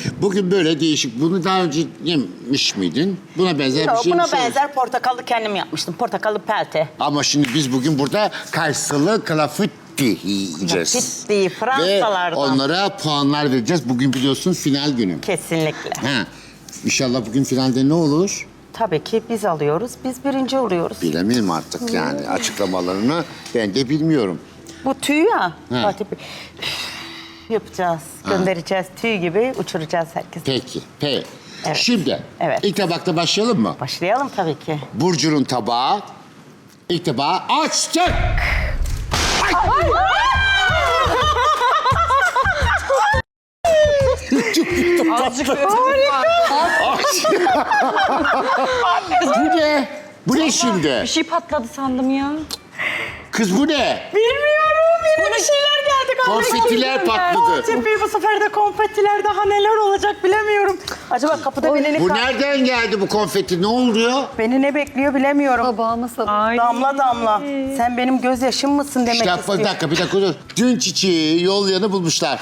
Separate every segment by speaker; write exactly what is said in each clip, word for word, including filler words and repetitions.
Speaker 1: Bugün böyle değişik. Bunu daha önce yemiş miydin? Buna benzer
Speaker 2: Yok,
Speaker 1: bir şey
Speaker 2: buna
Speaker 1: mi söylüyorsun?
Speaker 2: benzer portakallı kendim yapmıştım. Portakallı pelte.
Speaker 1: Ama şimdi biz bugün burada Kaysalı klafitti yiyeceğiz.
Speaker 2: Fitti, Fransalardan.
Speaker 1: Ve onlara puanlar vereceğiz. Bugün biliyorsun final günü.
Speaker 2: Kesinlikle.
Speaker 1: Ha. İnşallah bugün finalde ne olur?
Speaker 2: Tabii ki biz alıyoruz, biz birinci oluyoruz.
Speaker 1: Bilemiyorum artık yani açıklamalarını ben de bilmiyorum.
Speaker 2: Bu tüy ya,
Speaker 1: Ha.
Speaker 2: Fatih Bey. Yapacağız, göndereceğiz. Tüy gibi uçuracağız herkesi.
Speaker 1: Peki, peki.
Speaker 2: Evet.
Speaker 1: Şimdi
Speaker 2: Evet.
Speaker 1: ilk tabakta başlayalım mı?
Speaker 2: Başlayalım tabii ki.
Speaker 1: Burcu'nun tabağı. İlk tabağı açtık.
Speaker 3: Azıcık
Speaker 1: Bu ne? Bu ne şimdi?
Speaker 3: bir şey patladı sandım ya.
Speaker 1: Kız bu ne?
Speaker 2: Bilmiyorum, yine bir şeyler geldi.
Speaker 1: Konfetiler patladı.
Speaker 2: Fatih Bey, bu sefer de konfetiler daha neler olacak bilemiyorum. Acaba kapıda beni,
Speaker 1: Bu
Speaker 2: ne,
Speaker 1: nereden geldi bu konfeti? Ne oluyor?
Speaker 2: beni ne bekliyor bilemiyorum.
Speaker 4: Tabağıma sabır.
Speaker 2: Damla damla. Sen benim gözyaşım mısın demek
Speaker 1: İşte
Speaker 2: istiyor.
Speaker 1: bir dakika, bir dakika dur. Dün çiçeği yol yanı bulmuşlar.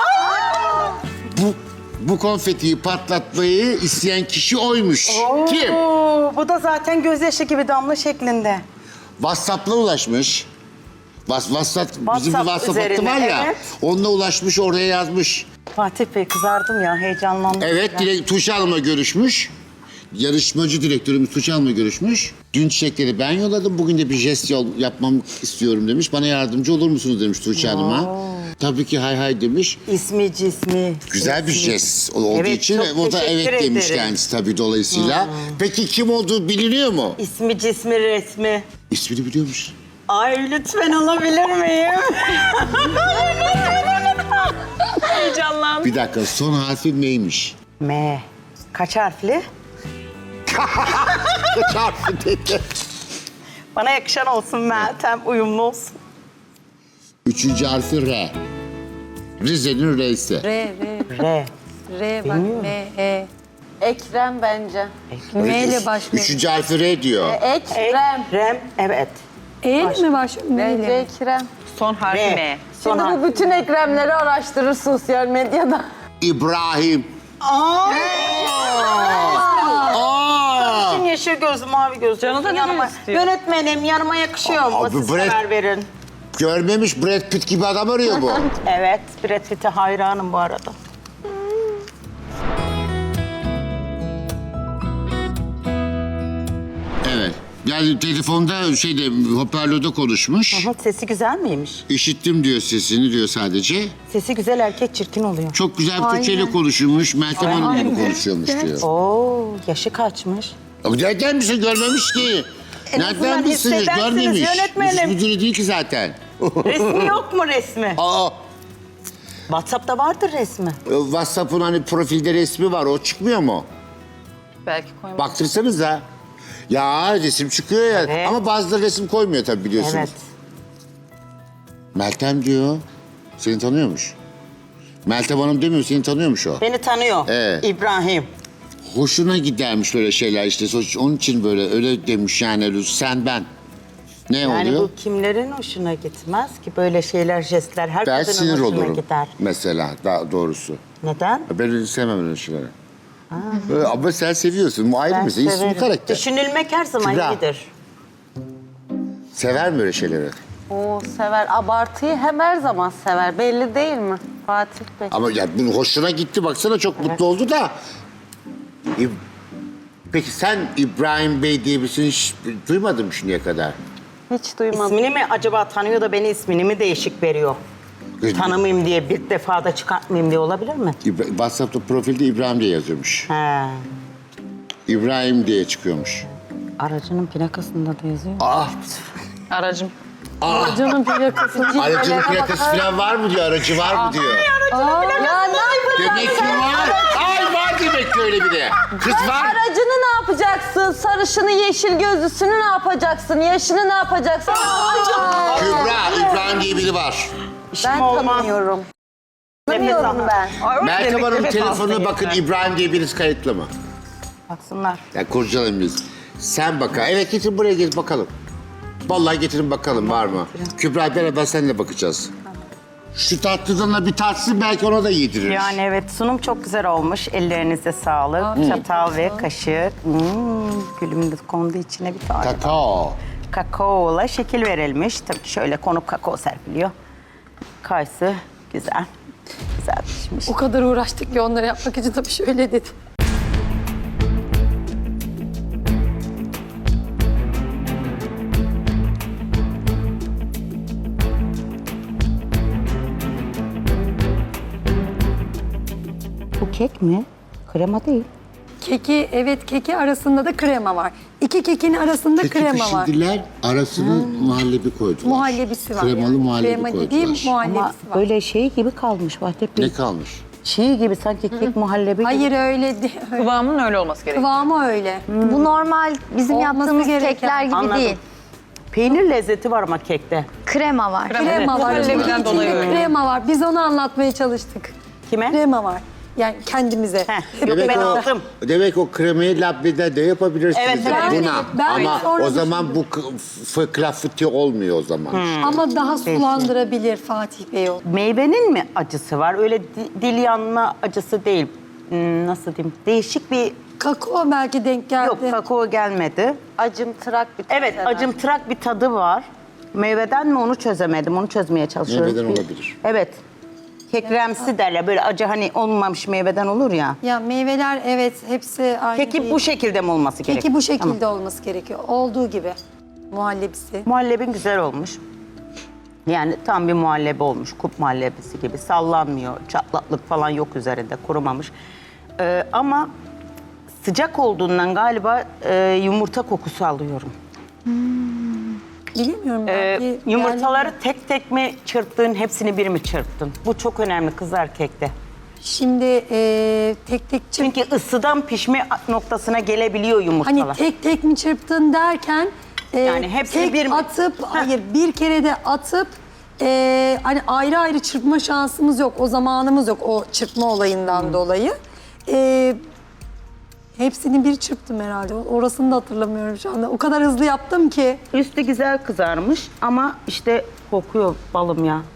Speaker 1: Bu bu konfetiyi patlatmayı isteyen kişi oymuş. Kim?
Speaker 2: Oo, bu da zaten gözyaşı gibi damla şeklinde.
Speaker 1: WhatsApp'la ulaşmış. Was, WhatsApp, bizim bir
Speaker 2: WhatsApp
Speaker 1: WhatsApp hattı
Speaker 2: üzerine,
Speaker 1: var ya.
Speaker 2: evet.
Speaker 1: Onunla ulaşmış, oraya yazmış.
Speaker 2: Fatih Bey, kızardım ya, heyecanlandım.
Speaker 1: Evet,
Speaker 2: biraz.
Speaker 1: direkt Tuğçe Hanım'la görüşmüş. Yarışmacı direktörümüz Tuğçe Hanım'la görüşmüş. Dün çiçekleri ben yolladım, bugün de bir jest yol yapmam istiyorum demiş. Bana yardımcı olur musunuz demiş Tuğçe Hanım'a. Tabii ki hay hay demiş.
Speaker 2: İsmi cismi.
Speaker 1: Güzel bir
Speaker 2: ismi.
Speaker 1: jest olduğu
Speaker 2: Evet,
Speaker 1: için
Speaker 2: çok
Speaker 1: o da
Speaker 2: teşekkür
Speaker 1: evet demiş
Speaker 2: ederim.
Speaker 1: kendisi tabii dolayısıyla. Peki kim olduğu biliniyor mu?
Speaker 2: İsmi, cismi, resmi.
Speaker 1: İsmini biliyormuş.
Speaker 2: Ay, lütfen alabilir miyim? Heyecanlandım.
Speaker 1: Bir dakika, son harfi neymiş?
Speaker 2: M. Kaç harfli?
Speaker 1: Kaç harfi dedi?
Speaker 2: Bana yakışan olsun Meltem, uyumlu olsun.
Speaker 1: Üçüncü harfi R. Rize'nin R'si.
Speaker 4: R, R,
Speaker 2: R.
Speaker 4: R bak M, E.
Speaker 5: Ekrem bence.
Speaker 4: M ile başlıyor.
Speaker 1: Üçüncü harfi R diyor.
Speaker 5: Ekrem.
Speaker 2: Rem, evet.
Speaker 4: E ile mi başlıyor? M
Speaker 5: Bence
Speaker 4: ile mi?
Speaker 5: Ekrem.
Speaker 3: Son harfi
Speaker 2: R.
Speaker 3: M.
Speaker 2: Son
Speaker 5: Şimdi
Speaker 2: harf.
Speaker 5: bu bütün Ekremleri araştırır sosyal medyada.
Speaker 1: İbrahim.
Speaker 2: Aa!
Speaker 1: Aa!
Speaker 2: Şimdi yeşil göz, mavi göz.
Speaker 3: Canı da ne
Speaker 2: yanıma.
Speaker 3: istiyor?
Speaker 2: Yönetmenim, yanıma yakışıyor mu?
Speaker 1: Abi,
Speaker 2: Siz
Speaker 1: Brad-
Speaker 2: karar verin.
Speaker 1: Görmemiş Brad Pitt gibi adam arıyor bu.
Speaker 2: Evet, Brad Pitt'e hayranım bu arada.
Speaker 1: Evet. Yani telefonda şeyde hoparlörde konuşmuş.
Speaker 2: Aha, sesi güzel miymiş?
Speaker 1: İşittim diyor sesini diyor sadece.
Speaker 2: Sesi güzel, erkek çirkin oluyor.
Speaker 1: Çok güzel bir Türkçeyle konuşulmuş. Meltem Hanım gibi konuşuyormuş diyor.
Speaker 2: Oo, yaşı kaçmış.
Speaker 1: Ama nereden bilsin görmemiş ki?
Speaker 2: En azından
Speaker 1: Nereden bilsin
Speaker 2: hissedersiniz
Speaker 1: görmemiş.
Speaker 2: yönetmenim.
Speaker 1: Müdürü değil ki zaten.
Speaker 2: Resmi yok mu resmi?
Speaker 1: Aa,
Speaker 2: WhatsApp'ta vardır resmi.
Speaker 1: WhatsApp'ın hani profilde resmi var o çıkmıyor mu?
Speaker 3: Belki koymadım.
Speaker 1: Baktırsanıza. Ya resim çıkıyor ya.
Speaker 2: Evet.
Speaker 1: Ama bazıları resim koymuyor tabii biliyorsunuz.
Speaker 2: Evet.
Speaker 1: Meltem diyor. Seni tanıyormuş. Meltem Hanım demiyor, seni tanıyormuş o.
Speaker 2: Beni tanıyor.
Speaker 1: Evet.
Speaker 2: İbrahim.
Speaker 1: Hoşuna gidermiş böyle şeyler işte. Onun için böyle öyle demiş yani sen ben. Ne
Speaker 2: Yani
Speaker 1: oluyor?
Speaker 2: bu kimlerin hoşuna gitmez ki böyle şeyler, jestler her
Speaker 1: Ben
Speaker 2: kadının
Speaker 1: sinir
Speaker 2: hoşuna
Speaker 1: olurum
Speaker 2: gider.
Speaker 1: mesela daha doğrusu.
Speaker 2: Neden?
Speaker 1: Ben öyle sevmem öyle şeyleri. Böyle, ama sen seviyorsun. Bu ayrı
Speaker 2: Ben
Speaker 1: mesela. İsmi
Speaker 2: severim.
Speaker 1: karakter.
Speaker 2: Düşünülmek her zaman
Speaker 1: Kübra.
Speaker 2: iyidir.
Speaker 1: Sever mi öyle şeyleri?
Speaker 5: Oo sever. Abartıyı hem her zaman sever. Belli değil mi Fatih Bey?
Speaker 1: Ama ya bunun hoşuna gitti. Baksana çok mutlu oldu da. İb- Peki sen İbrahim Bey diye birisini hiç duymadın mı şimdiye kadar?
Speaker 5: Hiç duymadım.
Speaker 2: İsmini mi acaba tanıyor da beni ismini mi değişik veriyor? Tanımayayım diye bir defa da çıkartmayayım diye olabilir mi?
Speaker 1: İbra- WhatsApp'ta profilde İbrahim diye yazıyormuş.
Speaker 2: He.
Speaker 1: İbrahim diye çıkıyormuş.
Speaker 2: Aracının plakasında da yazıyor.
Speaker 1: Ah!
Speaker 3: Aracım.
Speaker 5: Canım plakası.
Speaker 1: Aracın plakası falan var mı diyor, aracı var mı diyor.
Speaker 5: Ya ne yapacaksın?
Speaker 1: Demek ki var. Ay var demek ki öyle bir de. Kız var.
Speaker 5: Aracını ne yapacaksın? Sarışını, yeşil gözlüsünü ne yapacaksın? Yaşını ne yapacaksın? Aa,
Speaker 1: Kübra, İbrahim diye biri var.
Speaker 5: ben
Speaker 2: olmaz.
Speaker 5: tanımıyorum. Tanımıyorum ben.
Speaker 1: Meltem Hanım telefonuna bakın, İbrahim diye birisi kayıtlı mı?
Speaker 2: Baksınlar.
Speaker 1: Ya kurcalayın biz. Sen baka. Evet getir buraya gel bakalım. Vallahi getirin bakalım var mı? Kübra beraber seninle bakacağız. Şu tatlıdan da bir tatsın belki ona da yedirir.
Speaker 2: Yani evet sunum çok güzel olmuş. Ellerinize sağlık.
Speaker 4: Afiyet
Speaker 2: Çatal ve
Speaker 4: olsun.
Speaker 2: kaşık. Hmm, gülüm de kondu içine bir tane.
Speaker 1: Kakao.
Speaker 2: Kakaola şekil verilmiş. Tabii ki şöyle konup kakao serpiliyor. Kayısı güzel. Güzel pişmiş.
Speaker 4: O kadar uğraştık ki onları yapmak için tabii şöyle dedi.
Speaker 2: Bu kek mi? Krema değil.
Speaker 4: Keki, evet keki arasında da krema var. İki kekin arasında
Speaker 1: Keki
Speaker 4: krema var.
Speaker 1: pişirdiler, arasına muhallebi koydular.
Speaker 4: Muhallebisi var.
Speaker 1: Kremalı muhallebi
Speaker 4: Krema
Speaker 1: koydular.
Speaker 4: dediğim
Speaker 2: Ama
Speaker 4: muhallebisi var.
Speaker 2: böyle şey gibi kalmış Vahdep Bey.
Speaker 1: Ne kalmış?
Speaker 2: Çiğ gibi sanki kek muhallebi gibi.
Speaker 4: Hayır öyle değil.
Speaker 3: Kıvamının öyle olması gerekiyor.
Speaker 4: Kıvamı öyle.
Speaker 5: Bu normal bizim
Speaker 4: Olması
Speaker 5: yaptığımız
Speaker 4: gereken.
Speaker 5: kekler gibi
Speaker 2: Anladım.
Speaker 5: değil.
Speaker 2: Peynir lezzeti var ama kekte.
Speaker 5: Krema var.
Speaker 4: Krema var.
Speaker 3: Muhallebiden
Speaker 4: İçinde
Speaker 3: dolayı öyle.
Speaker 4: krema var. Biz onu anlatmaya çalıştık.
Speaker 2: Kime?
Speaker 4: Krema var. Yani kendimize.
Speaker 2: Heh, yok ben
Speaker 1: Demek o,
Speaker 2: aldım.
Speaker 1: demek o kremayı labnede de yapabilirsiniz
Speaker 2: Evet, evet.
Speaker 1: buna.
Speaker 4: Yani ben
Speaker 1: Ama
Speaker 4: sonra
Speaker 1: o zaman bu k- f- klafiti olmuyor o zaman.
Speaker 2: Hmm.
Speaker 4: Ama daha sulandırabilir Fatih Bey o.
Speaker 2: Meyvenin mi acısı var? Öyle di- dil yanma acısı değil. Hmm, nasıl diyeyim? Değişik bir...
Speaker 4: Kakao belki denk geldi.
Speaker 2: Yok kakao gelmedi.
Speaker 5: Acımtırak bir tat
Speaker 2: Evet
Speaker 5: herhalde.
Speaker 2: acımtırak bir tadı var. Meyveden mi onu çözemedim. Onu çözmeye çalışıyorum.
Speaker 1: Meyveden
Speaker 2: Bir-
Speaker 1: olabilir.
Speaker 2: Evet. Kekremsi derler. Böyle acı hani olmamış meyveden olur ya.
Speaker 4: Ya meyveler evet hepsi aynı
Speaker 2: Peki
Speaker 4: değil.
Speaker 2: bu şekilde mi olması gerekiyor?
Speaker 4: Peki bu şekilde
Speaker 2: Tamam.
Speaker 4: olması gerekiyor. Olduğu gibi. Muhallebisi.
Speaker 2: Muhallebin güzel olmuş. Yani tam bir muhallebi olmuş. Kup muhallebisi gibi. Sallanmıyor. Çatlaklık falan yok üzerinde. Kurumamış. Ee, ama sıcak olduğundan galiba e, yumurta kokusu alıyorum.
Speaker 4: Bilemiyorum
Speaker 2: Ee,
Speaker 4: belki.
Speaker 2: yumurtaları
Speaker 4: yani-
Speaker 2: tek tek mi çırptın, hepsini bir mi çırptın? Bu çok önemli kızlar kekte.
Speaker 4: Şimdi e, tek tek çırp.
Speaker 2: Çünkü ısıdan pişme noktasına gelebiliyor yumurtalar.
Speaker 4: Hani tek tek mi çırptın derken e,
Speaker 2: Yani hepsini
Speaker 4: tek
Speaker 2: bir mi?
Speaker 4: atıp
Speaker 2: Heh.
Speaker 4: hayır bir kere de atıp e, hani ayrı ayrı çırpma şansımız yok. O zamanımız yok o çırpma olayından
Speaker 2: Hmm.
Speaker 4: dolayı. E, hepsini bir çırptım herhalde. Orasını da hatırlamıyorum şu anda. O kadar hızlı yaptım ki.
Speaker 2: Üstü güzel kızarmış ama işte kokuyor balım ya.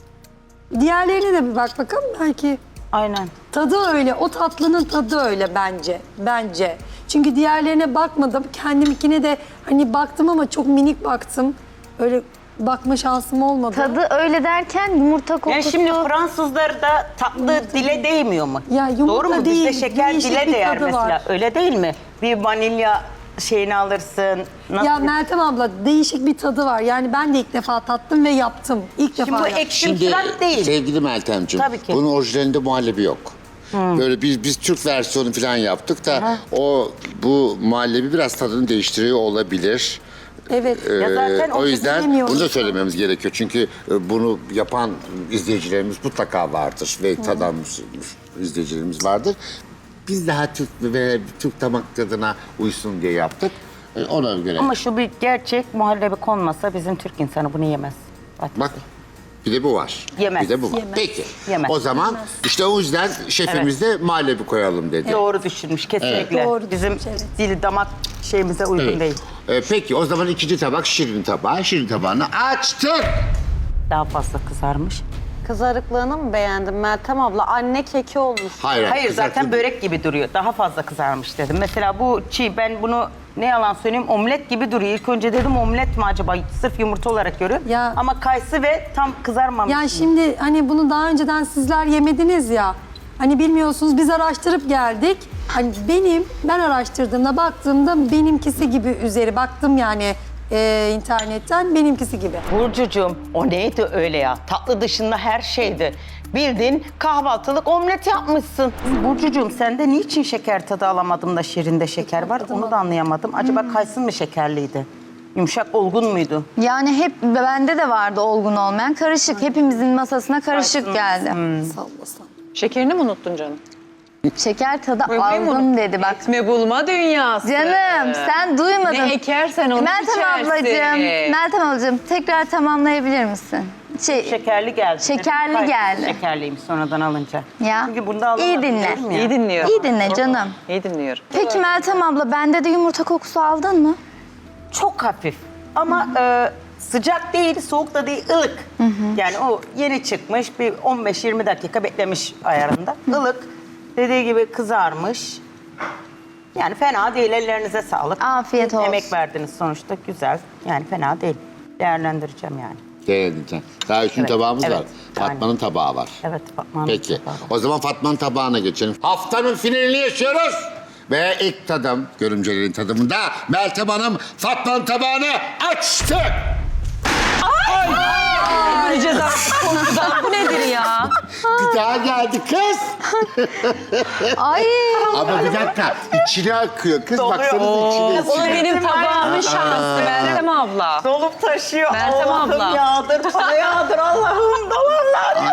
Speaker 4: Diğerlerine de bir bak bakalım belki.
Speaker 2: Aynen.
Speaker 4: Tadı öyle, o tatlının tadı öyle bence. Bence. Çünkü diğerlerine bakmadım. Kendimkine de hani baktım ama çok minik baktım. Öyle bakma şansım olmadı.
Speaker 5: Tadı öyle derken yumurta kokusu.
Speaker 2: Yani şimdi Fransızlar da tatlı dile değmiyor mu?
Speaker 4: Ya yumurta
Speaker 2: Doğru mu?
Speaker 4: değil,
Speaker 2: Bizde şeker
Speaker 4: değişik
Speaker 2: dile
Speaker 4: bir
Speaker 2: değer
Speaker 4: tadı
Speaker 2: mesela.
Speaker 4: var.
Speaker 2: Öyle değil mi? Bir vanilya şeyini alırsın. Nasıl?
Speaker 4: Ya Meltem abla değişik bir tadı var. Yani ben de ilk defa tattım ve yaptım. İlk
Speaker 2: Şimdi
Speaker 4: defa
Speaker 2: bu
Speaker 4: yaptım.
Speaker 2: ekşimtırak değil.
Speaker 1: sevgili Meltemciğim,
Speaker 2: Tabii ki.
Speaker 1: bunun orijinalinde muhallebi yok. Böyle biz biz Türk versiyonu falan yaptık da o bu muhallebi biraz tadını değiştiriyor olabilir.
Speaker 4: Evet.
Speaker 2: Ya zaten
Speaker 1: Ee, o
Speaker 2: o
Speaker 1: yüzden
Speaker 4: bilemiyorum.
Speaker 1: bunu da söylememiz gerekiyor. Çünkü e, bunu yapan izleyicilerimiz mutlaka vardır ve tadan izleyicilerimiz vardır. Biz daha Türk ve Türk damak tadına uysun diye yaptık. E, Ona göre.
Speaker 2: Ama şu bir gerçek muhallebi konmasa bizim Türk insanı bunu yemez.
Speaker 1: Bak bir de bu var.
Speaker 2: Yemez.
Speaker 1: Bir de bu var.
Speaker 4: Yemez.
Speaker 1: Peki.
Speaker 2: Yemez.
Speaker 1: O zaman işte o yüzden şefimiz de muhallebi koyalım dedi.
Speaker 2: Doğru düşünmüş kesinlikle.
Speaker 4: Doğru
Speaker 2: Bizim
Speaker 4: düşünmüş, evet.
Speaker 2: dili damak şeyimize uygun
Speaker 1: Evet.
Speaker 2: değil.
Speaker 1: E, peki o zaman ikinci tabak şirin tabağı. Şirin tabağını açtık.
Speaker 2: Daha fazla kızarmış.
Speaker 5: Kızarıklığını mı beğendin Meltem abla? Anne keki olmuş.
Speaker 1: Hayır,
Speaker 2: Hayır zaten
Speaker 1: kızartma-
Speaker 2: börek gibi duruyor. Daha fazla kızarmış dedim. Mesela bu çiğ ben bunu ne yalan söyleyeyim omlet gibi duruyor. İlk önce dedim omlet mi acaba? Sırf yumurta olarak görüyorum.
Speaker 4: Ya-
Speaker 2: Ama kayısı ve tam kızarmamış.
Speaker 4: Yani şimdi hani bunu daha önceden sizler yemediniz ya. Hani bilmiyorsunuz biz araştırıp geldik. Hani benim ben araştırdığımda baktığımda benimkisi gibi üzeri baktım yani e, internetten benimkisi gibi.
Speaker 2: Burcucuğum o neydi öyle ya? Tatlı dışında her şeydi. Bildiğin kahvaltılık omlet yapmışsın. Burcucuğum sende niçin şeker tadı alamadım da şirinde şeker var? Onu da anlayamadım. Acaba kayısın mı şekerliydi? Yumuşak olgun muydu?
Speaker 6: Yani hep bende de vardı olgun olmayan. Karışık. Hepimizin masasına karışık geldi.
Speaker 4: Sallasan.
Speaker 3: Şekerini mi unuttun canım?
Speaker 6: Şeker tadı
Speaker 3: Koymayı mı
Speaker 6: aldım
Speaker 3: unuttun?
Speaker 6: dedi bak.
Speaker 3: Ekme bulma dünyası.
Speaker 6: Canım sen duymadın.
Speaker 3: Ne ekersen onu
Speaker 6: Meltem
Speaker 3: biçersin.
Speaker 6: ablacığım, Meltem ablacığım tekrar tamamlayabilir misin? Şey,
Speaker 2: Şekerli geldi.
Speaker 6: Şekerli
Speaker 2: Kayısı
Speaker 6: geldi.
Speaker 2: Şekerliymiş sonradan alınca.
Speaker 6: ya
Speaker 2: Çünkü bunda alamadım.
Speaker 6: iyi dinle.
Speaker 2: diyorum ya.
Speaker 3: İyi dinliyorum.
Speaker 6: İyi dinle canım.
Speaker 3: İyi dinliyorum.
Speaker 6: Peki Meltem abla bende de yumurta kokusu aldın mı?
Speaker 2: Çok hafif. Ama e, Sıcak değil, soğuk da değil, ılık. Yani o yeni çıkmış, bir on beş yirmi dakika beklemiş ayarında. Ilık, dediği gibi kızarmış. Yani fena değil, ellerinize sağlık.
Speaker 6: Afiyet olsun.
Speaker 2: Emek verdiniz sonuçta, güzel. Yani fena değil. Değerlendireceğim yani.
Speaker 1: Değerlendireceğim. Daha üçüncü
Speaker 2: Evet,
Speaker 1: tabağımız
Speaker 2: evet.
Speaker 1: var. Fatma'nın tabağı var.
Speaker 2: Evet, Fatma'nın
Speaker 1: Peki.
Speaker 2: tabağı var.
Speaker 1: O zaman Fatma'nın tabağına geçelim. Haftanın finalini yaşıyoruz. Ve ilk tadım, görümcelerin tadımında Meltem Hanım Fatma'nın tabağını açtı.
Speaker 3: Öleceğiz artık korkudan. Bu nedir ya?
Speaker 1: Bir daha geldi kız.
Speaker 6: Ay.
Speaker 1: Ama bir dakika, içine akıyor. Kız baksanıza içine.
Speaker 3: O da benim tabağımın şansı Meltem abla.
Speaker 2: Dolup taşıyor.
Speaker 3: Meltem
Speaker 2: Allah'ım
Speaker 3: abla.
Speaker 2: yağdır, para yağdır Allah'ım. Dolarlar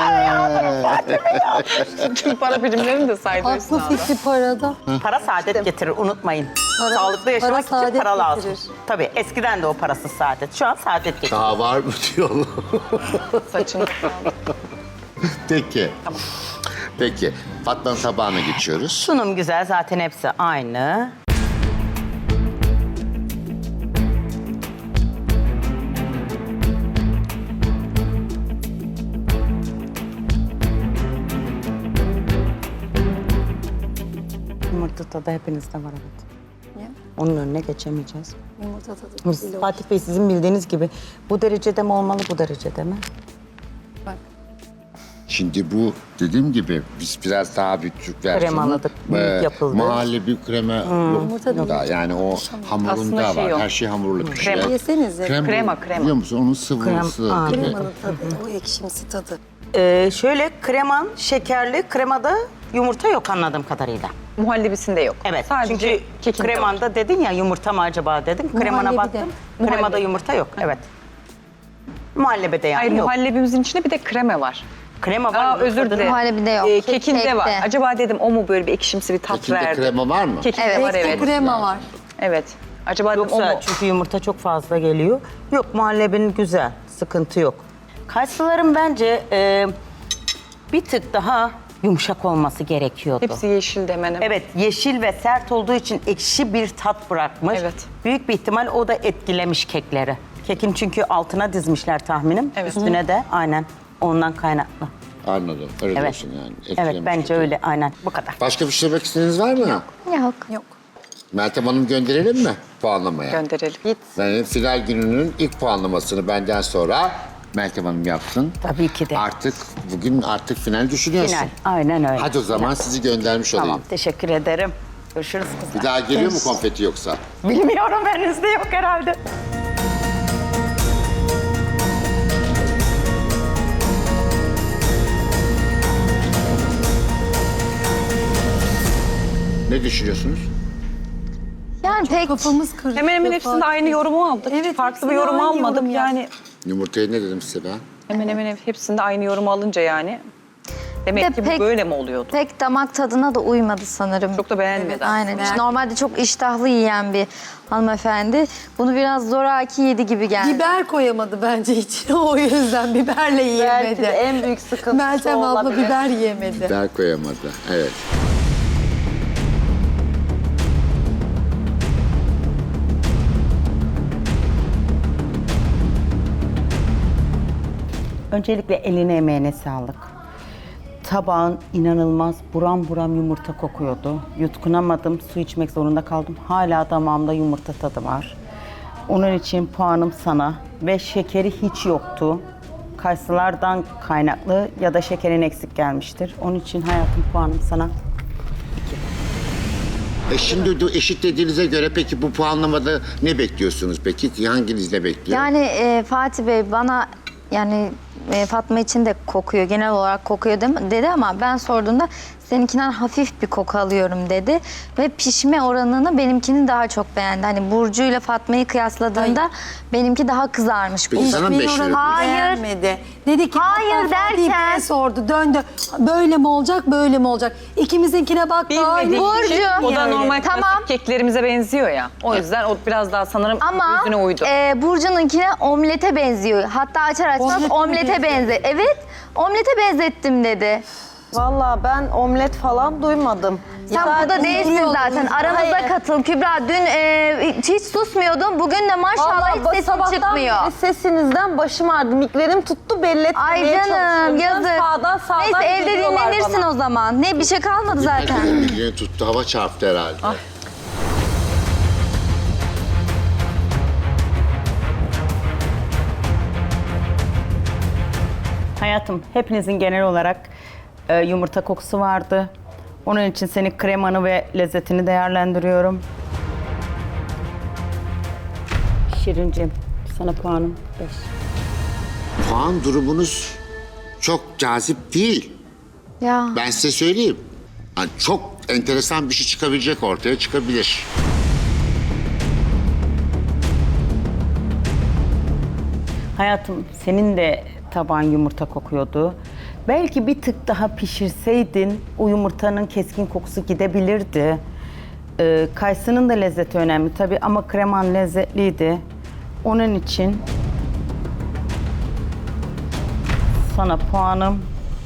Speaker 3: Tüm para birimlerini de saydı
Speaker 4: Aklı
Speaker 3: Hüsnü abla.
Speaker 4: fikri parada.
Speaker 2: Para saadet getirir, unutmayın.
Speaker 4: Para-
Speaker 2: Sağlıklı yaşamak
Speaker 4: para
Speaker 2: için
Speaker 4: saadet
Speaker 2: para lazım.
Speaker 4: getirir.
Speaker 2: Tabii eskiden de o parasız saadet. Şu an saadet getirir.
Speaker 1: Daha var mı diyorlar.
Speaker 3: Saçını.
Speaker 1: Peki. Peki. Fatma'nın tabağına geçiyoruz.
Speaker 2: Sunum güzel, zaten hepsi aynı. Yumurta tadı hepinizde var, evet.
Speaker 4: Niye?
Speaker 2: Onun önüne geçemeyeceğiz.
Speaker 4: Yumurta tadı.
Speaker 2: Biz,
Speaker 4: güzel
Speaker 2: Fatih Bey, sizin bildiğiniz gibi bu derecede mi olmalı, bu derecede mi?
Speaker 4: Bak.
Speaker 1: Şimdi bu dediğim gibi biz biraz daha bir Türk versiyonu.
Speaker 2: Kremaladık, büyük yapıldı.
Speaker 1: Mahalle bir krema yok
Speaker 4: Yumurta
Speaker 1: da
Speaker 4: değil.
Speaker 1: yani o hamurunda
Speaker 3: Aslında şey
Speaker 1: var.
Speaker 3: yok.
Speaker 1: Her şey hamurlu pişiyor.
Speaker 3: Krema.
Speaker 4: Yesenize.
Speaker 1: Krem,
Speaker 3: Krema, krema.
Speaker 1: Biliyor musun onun sıvısı
Speaker 2: Krem- Aa.
Speaker 1: gibi.
Speaker 4: Kremanın tadı, o ekşimsi tadı.
Speaker 2: Ee, şöyle kreman şekerli, kremada yumurta yok anladığım kadarıyla.
Speaker 3: Muhallebisinde yok.
Speaker 2: Evet,
Speaker 3: Sadece
Speaker 2: çünkü
Speaker 3: kekinde var.
Speaker 2: kremanda dedin ya yumurta mı acaba dedim. Kremana
Speaker 4: Muhallebi de.
Speaker 2: baktım. Kremada
Speaker 3: Muhallebi.
Speaker 2: yumurta yok, evet. Muhallebede yani
Speaker 3: Hayır,
Speaker 2: yok.
Speaker 3: muhallebimizin içinde bir de kreme var.
Speaker 2: Krema var.
Speaker 3: Aa,
Speaker 2: mı?
Speaker 3: özür
Speaker 2: Tadını-
Speaker 3: dilerim.
Speaker 6: Muhallebide yok.
Speaker 3: Ee,
Speaker 6: Kek-
Speaker 3: kekinde var.
Speaker 6: kekte.
Speaker 3: Acaba dedim o mu böyle bir ekşimsi bir tat
Speaker 1: Kekinde
Speaker 3: verdi?
Speaker 1: krema var mı?
Speaker 3: Kekinde
Speaker 6: Evet.
Speaker 3: var,
Speaker 4: Ekte
Speaker 3: evet.
Speaker 4: krema var.
Speaker 3: Evet. Acaba dedim o
Speaker 2: Yoksa
Speaker 3: mu?
Speaker 2: çünkü yumurta çok fazla geliyor. Yok, muhallebin güzel, sıkıntı yok. Kayısıların bence e, bir tık daha yumuşak olması gerekiyordu.
Speaker 3: Hepsi yeşil demenim.
Speaker 2: Evet, yeşil ve sert olduğu için ekşi bir tat bırakmış.
Speaker 3: Evet.
Speaker 2: Büyük bir ihtimal o da etkilemiş kekleri. Kekin çünkü altına dizmişler tahminim.
Speaker 3: Evet.
Speaker 2: Üstüne de aynen ondan kaynaklı.
Speaker 1: Anladım. Öyle
Speaker 2: Evet.
Speaker 1: diyorsun yani.
Speaker 2: Evet,
Speaker 1: Etkilemiş
Speaker 2: bence
Speaker 1: keki.
Speaker 2: öyle aynen. Bu kadar.
Speaker 1: Başka bir şey demek istediğiniz var mı?
Speaker 6: Yok.
Speaker 4: Yok.
Speaker 1: Meltem Hanım gönderelim mi puanlamaya?
Speaker 3: Gönderelim.
Speaker 2: Git.
Speaker 1: Yani final gününün ilk puanlamasını benden sonra Meltem Hanım yapsın.
Speaker 2: Tabii ki de.
Speaker 1: Artık bugün artık final düşünüyorsun.
Speaker 2: Final. Aynen öyle.
Speaker 1: Hadi o zaman sizi göndermiş
Speaker 2: Tamam,
Speaker 1: olayım.
Speaker 2: teşekkür ederim. Görüşürüz kızlar.
Speaker 1: Bir daha geliyor mu konfeti yoksa?
Speaker 2: Bilmiyorum, henüz de yok herhalde.
Speaker 1: Ne düşünüyorsunuz?
Speaker 6: Yani pek
Speaker 4: Kafamız karıştı.
Speaker 3: Hemen hemen hepsinde
Speaker 4: Fatih.
Speaker 3: aynı yorumu aldık.
Speaker 4: Evet,
Speaker 3: Farklı bir
Speaker 4: hepsinde
Speaker 3: yorum
Speaker 4: aynı
Speaker 3: almadık.
Speaker 4: yorum ya.
Speaker 3: Yani
Speaker 1: Yumurtayı ne dedim size ben?
Speaker 3: hemen hemen hepsinde aynı yorumu alınca yani. Demek
Speaker 6: Bir de
Speaker 3: ki bu
Speaker 6: pek-
Speaker 3: böyle mi oluyordu?
Speaker 6: pek damak tadına da uymadı sanırım.
Speaker 3: Çok da beğenmedi.
Speaker 6: Aynen.
Speaker 4: Ben-
Speaker 6: Normalde çok iştahlı yiyen bir hanımefendi. Bunu biraz zoraki yedi gibi geldi.
Speaker 4: Biber koyamadı bence içine, o yüzden biberle yiyemedi.
Speaker 2: Belki de en büyük sıkıntısı
Speaker 4: Meltem abla
Speaker 2: olabilir.
Speaker 4: biber yiyemedi.
Speaker 1: Biber koyamadı. Evet.
Speaker 2: Öncelikle eline emeğine sağlık. Tabağın inanılmaz buram buram yumurta kokuyordu. Yutkunamadım, su içmek zorunda kaldım. Hala damağımda yumurta tadı var. Onun için puanım sana ve şekeri hiç yoktu. Kayısılardan kaynaklı ya da şekerin eksik gelmiştir. Onun için hayatım puanım sana.
Speaker 1: E şimdi de eşit dediğinize göre peki bu puanlamada ne bekliyorsunuz peki? Hanginiz ne bekliyor?
Speaker 6: Yani e, Fatih Bey bana yani e, Fatma için de kokuyor, genel olarak kokuyor dem- dedi ama ben sorduğumda seninkinden hafif bir koku alıyorum dedi. Ve pişme oranını benimkini daha çok beğendi. Hani Burcu ile Fatma'yı kıyasladığında benimki daha kızarmış.
Speaker 1: Peki sana mı
Speaker 4: Pişmeyi
Speaker 1: beş
Speaker 4: oranı
Speaker 1: veriyorsun?
Speaker 6: Hayır.
Speaker 4: beğenmedi. Dedi ki
Speaker 6: Hayır
Speaker 4: hatta Fatih
Speaker 6: derken-
Speaker 4: Bey'e sordu, döndü. Böyle mi olacak, böyle mi olacak? İkimizinkine baktı.
Speaker 3: Bilmediği
Speaker 6: Burcu.
Speaker 3: için o da
Speaker 6: Öyle.
Speaker 3: normal
Speaker 6: Tamam.
Speaker 3: klasik keklerimize benziyor ya. O yüzden o biraz daha sanırım
Speaker 6: Ama
Speaker 3: yüzüne uydu.
Speaker 6: e, Burcu'nunkine omlete benziyor. Hatta açar açmaz
Speaker 4: Omlete mi
Speaker 6: omlete
Speaker 4: benziyor?
Speaker 6: benzer. Evet, omlete benzettim dedi.
Speaker 5: Vallahi ben omlet falan duymadım.
Speaker 6: Sen
Speaker 5: Zaten
Speaker 6: burada değilsin
Speaker 5: uyuyordum.
Speaker 6: zaten. Aramıza
Speaker 5: Hayır.
Speaker 6: katıl Kübra. Dün e, hiç susmuyordun. Bugün de maşallah
Speaker 5: Vallahi
Speaker 6: hiç sesin
Speaker 5: sabahtan
Speaker 6: çıkmıyor.
Speaker 5: beri sesinizden başım ağrıdı. Miklerim tuttu belli etmemeye
Speaker 6: Ay canım
Speaker 5: çalışıyorum.
Speaker 6: yazık.
Speaker 5: Sağdan sağdan
Speaker 6: Neyse evde
Speaker 5: geliyorlar
Speaker 6: dinlenirsin
Speaker 5: bana.
Speaker 6: o zaman. Ne bir şey kalmadı zaten.
Speaker 1: Elini tuttu, hava çarptı herhalde.
Speaker 2: Hayatım, hepinizin genel olarak e, yumurta kokusu vardı. Onun için senin kremanı ve lezzetini değerlendiriyorum. Şirincim, sana puanım beş.
Speaker 1: Puan durumunuz çok cazip değil.
Speaker 6: Ya.
Speaker 1: Ben size söyleyeyim. Yani çok enteresan bir şey çıkabilecek, ortaya çıkabilir.
Speaker 2: Hayatım, senin de taban yumurta kokuyordu. Belki bir tık daha pişirseydin o yumurtanın keskin kokusu gidebilirdi. Ee, kayısının da lezzeti önemli tabii ama kreman lezzetliydi. Onun için sana puanım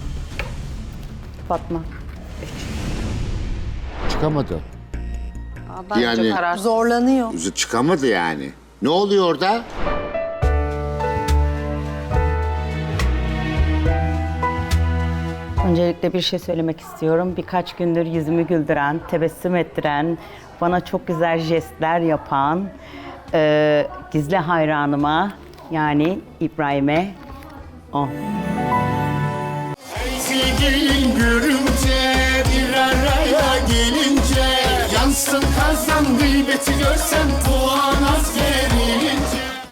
Speaker 2: Fatma.
Speaker 1: Çıkamadı.
Speaker 3: Bence
Speaker 1: Yani-
Speaker 3: karar.
Speaker 4: Zorlanıyor.
Speaker 1: Çıkamadı yani. Ne oluyor orada?
Speaker 2: Öncelikle bir şey söylemek istiyorum. Birkaç gündür yüzümü güldüren, tebessüm ettiren, bana çok güzel jestler yapan e, gizli hayranıma yani İbrahim'e on.
Speaker 7: Sevgilin görünce bir araya gelince yansın kazan gıybeti görsen